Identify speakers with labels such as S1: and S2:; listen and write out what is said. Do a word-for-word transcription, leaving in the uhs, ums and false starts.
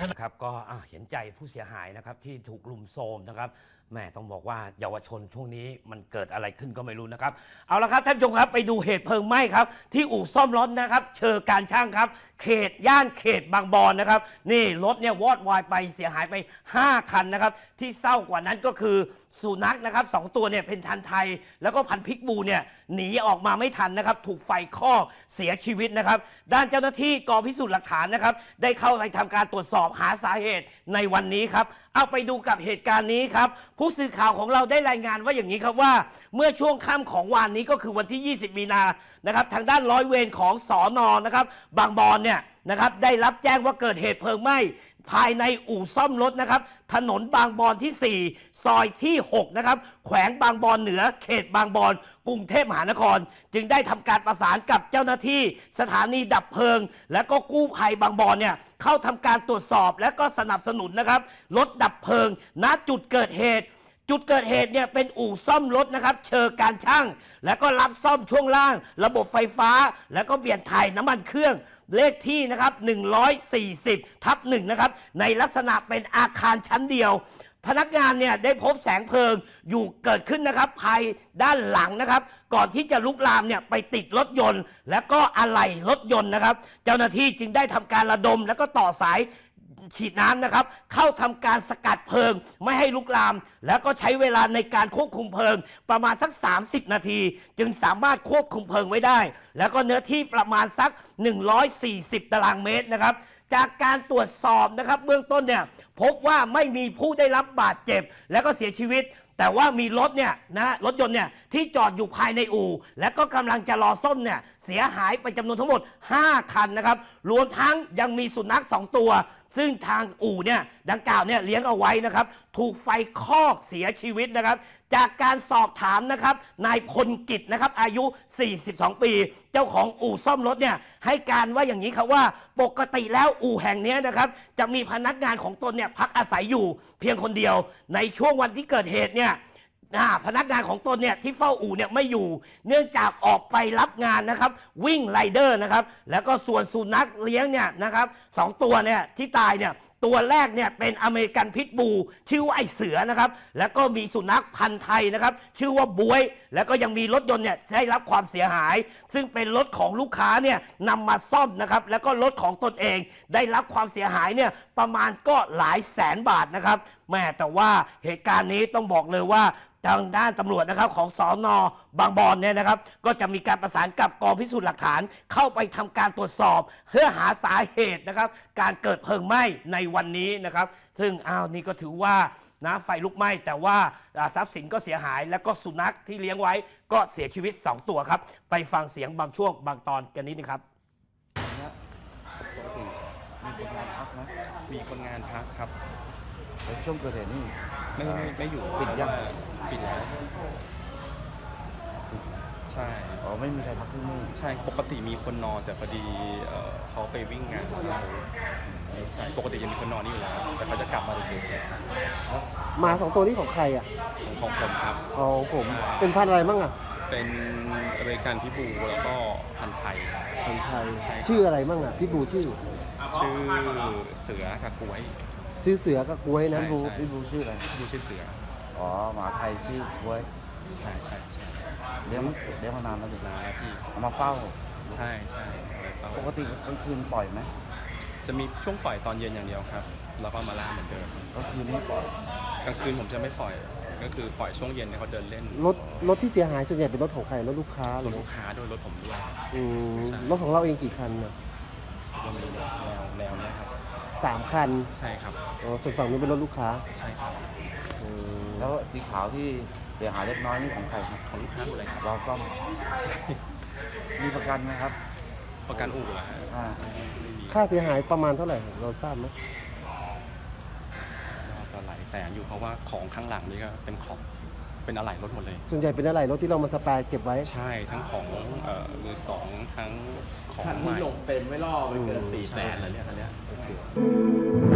S1: ครับก็เห็นใจผู้เสียหายนะครับที่ถูกลุมโทรมนะครับแม่ต้องบอกว่าเยาวชนช่วงนี้มันเกิดอะไรขึ้นก็ไม่รู้นะครับเอาละครับท่านผู้ชมครับไปดูเหตุเพลิงไหม้ครับที่อู่ซ่อมรถนะครับเชอการช่างครับเขตย่านเขตบางบอนนะครับนี่รถเนี่ยวอดวายไปเสียหายไปห้าคันนะครับที่เศร้ากว่านั้นก็คือสุนัขนะครับสองตัวเนี่ยเป็นพันธุ์ไทยแล้วก็พันธุ์พิกบูเนี่ยหนีออกมาไม่ทันนะครับถูกไฟคอกเสียชีวิตนะครับด้านเจ้าหน้าที่กองพิสูจน์หลักฐานนะครับได้เข้าไปทำการตรวจสอบหาสาเหตุในวันนี้ครับเอาไปดูกับเหตุการณ์นี้ครับผู้สื่อข่าวของเราได้รายงานว่าอย่างนี้ครับว่าเมื่อช่วงค่ำของวันนี้ก็คือวันที่ยี่สิบมีนานะครับทางด้านร้อยเวรของสนนะครับบางบอนเนี่ยนะครับได้รับแจ้งว่าเกิดเหตุเพลิงไหม้ภายในอู่ซ่อมรถนะครับถนนบางบอนที่สี่ซอยที่หกนะครับแขวงบางบอนเหนือเขตบางบอนกรุงเทพมหานครจึงได้ทำการประสานกับเจ้าหน้าที่สถานีดับเพลิงและก็กู้ภัยบางบอนเนี่ยเข้าทำการตรวจสอบและก็สนับสนุนนะครับรถดับเพลิงณจุดเกิดเหตุจุดเกิดเหตุเนี่ยเป็นอู่ซ่อมรถนะครับเชอการช่างแล้วก็รับซ่อมช่วงล่างระบบไฟฟ้าแล้วก็เปลี่ยนถ่ายน้ำมันเครื่องเลขที่นะครับหนึ่งร้อยสี่สิบทับหนึ่งนะครับในลักษณะเป็นอาคารชั้นเดียวพนักงานเนี่ยได้พบแสงเพลิงอยู่เกิดขึ้นนะครับภายด้านหลังนะครับก่อนที่จะลุกลามเนี่ยไปติดรถยนต์และก็อะไหล่รถยนต์นะครับเจ้าหน้าที่จึงได้ทำการระดมแล้วก็ต่อสายฉีดน้ำนะครับเข้าทำการสกัดเพลิงไม่ให้ลุกลามแล้วก็ใช้เวลาในการควบคุมเพลิงประมาณสักสามสิบนาทีจึงสามารถควบคุมเพลิงไว้ได้แล้วก็เนื้อที่ประมาณสักหนึ่งร้อยสี่สิบตารางเมตรนะครับจากการตรวจสอบนะครับเบื้องต้นเนี่ยพบว่าไม่มีผู้ได้รับบาดเจ็บและก็เสียชีวิตแต่ว่ามีรถเนี่ยนะรถยนต์เนี่ยที่จอดอยู่ภายในอู่และก็กำลังจะรอซ่อมเนี่ยเสียหายไปจำนวนทั้งหมดห้าคันนะครับรวมทั้งยังมีสุนัขสองตัวซึ่งทางอู่เนี่ยดังกล่าวเนี่ยเลี้ยงเอาไว้นะครับถูกไฟคอกเสียชีวิตนะครับจากการสอบถามนะครับนายพลกิจนะครับอายุสี่สิบสองปีเจ้าของอู่ซ่อมรถเนี่ยให้การว่าอย่างนี้ครับว่าปกติแล้วอู่แห่งนี้นะครับจะมีพนักงานของตนเนี่ยพักอาศัยอยู่เพียงคนเดียวในช่วงวันที่เกิดเหตุเนี่ยพนักงานของตนเนี่ยที่เฝ้าอู่เนี่ยไม่อยู่เนื่องจากออกไปรับงานนะครับวิ่งไรเดอร์นะครับแล้วก็ส่วนสุนัขเลี้ยงเนี่ยนะครับสองตัวเนี่ยที่ตายเนี่ยตัวแรกเนี่ยเป็นอเมริกันพิทบูชื่อว่าไอเสือนะครับแล้วก็มีสุนัขพันธุ์ไทยนะครับชื่อว่าบวยแล้วก็ยังมีรถยนต์เนี่ยได้รับความเสียหายซึ่งเป็นรถของลูกค้าเนี่ยนำมาซ่อมนะครับแล้วก็รถของตนเองได้รับความเสียหายเนี่ยประมาณก็หลายแสนบาทนะครับแม่แต่ว่าเหตุการณ์นี้ต้องบอกเลยว่าทางด้านตำรวจนะครับของสน.บางบอนเนี่ยนะครับก็จะมีการประสานกับกองพิสูจน์หลักฐานเข้าไปทำการตรวจสอบเพื่อหาสาเหตุนะครับการเกิดเพลิงไหม้ในวันนี้นะครับซึ่งอ้าวนี่ก็ถือว่านะไฟลุกไหม้แต่ว่าทรัพย์สินก็เสียหายแล้วก็สุนัขที่เลี้ยงไว้ก็เสียชีวิตสองตัวครับไปฟังเสียงบางช่วงบางตอนกันนิดนึงครับ
S2: มีคนงานพักครับ
S3: แล้วช่วงเกิดเหตุนี่
S2: ไม่ไม่ไม่อยู่
S3: ปิดยัง
S2: ปิดแล้วใช่
S3: อ๋อไม่มีใครพักที่นี่
S2: ใช่ปกติมีคนนอนแต่พอดีเขาไปวิ่งงานใช่ปกติยังมีคนนอนนี่อยู่แล้วแต่เขาจะกลับมาดึก
S3: ๆมาสองตัวนี้ของใครอ่ะ
S2: ของผมครับ
S3: ของผมเป็นพันธุ์อะไรบ้างอ่ะ
S2: เป็นอเมริกันพิบูแล้วก็พันธุ์ไทย
S3: พันธุ์ไทยชื่ออะไรบ้างอ่ะพิบูชื่อ
S2: ชื่อเสือกับกล้วย
S3: ชื่อเสือกับกล้วยนั้นบูพี่บูชื่ออะไร
S2: บูชื่อเสือ
S3: อ๋อหมาไทยชื่อกล้วย
S2: ใช่ใช่ใช่
S3: เลี้ยงเลี้ยงมานานแล้วอยู่
S2: แล้วพี่
S3: เอามาเฝ้า
S2: ใช่ใช่
S3: ปกติกลางคืนปล่อยไหม
S2: จะมีช่วงปล่อยตอนเย็นอย่างเดียวครับแล้วก็มาล่าเหมือนเดิม
S3: ก็คือไม่ปล่อย
S2: กลางคืนผมจะไม่ปล่อยก็คือปล่อยช่วงเย็นเนี่ยเขาเดินเล่น
S3: รถรถที่เสียหายส่วนใหญ่เป็นรถของใครรถลูกค้าร
S2: ถลูกค้าโดยรถผมด้วย
S3: อืมรถของเราเองกี่คันเนี่ย
S2: ก็มีแนวแนวนี้ครับ
S3: สามคัน
S2: ใช่ครับ
S3: อ๋อส่วนฝั่งนี้เป็นรถลูกค้า
S2: ใช่ครับ
S3: แล้วสีขาวที่เสียหายเล็กน้อยนี่ของใครครับ
S2: ของลูกค้าหมดเลยครับ
S3: เราซ่อมมีประกันไหมครับ
S2: ประกันอู่เหรอฮะ
S3: ค่าเสียหายประมาณเท่าไหร่เราทราบไหม
S2: น่าจะหลายแสนอยู่เพราะว่าของข้างหลังนี่ก็เป็นของเป็นอะไหล่รถหมดเลย
S3: ส่วนใหญ่เป็นอะไหล่รถที่เรามาสแปร์เก็บไว้
S2: ใช่ทั้งของมือสองทั้งของใหม่
S4: ลงเต็มไม่ล่อไปเกินสี่แสนอะไรเนี่ยคันนี้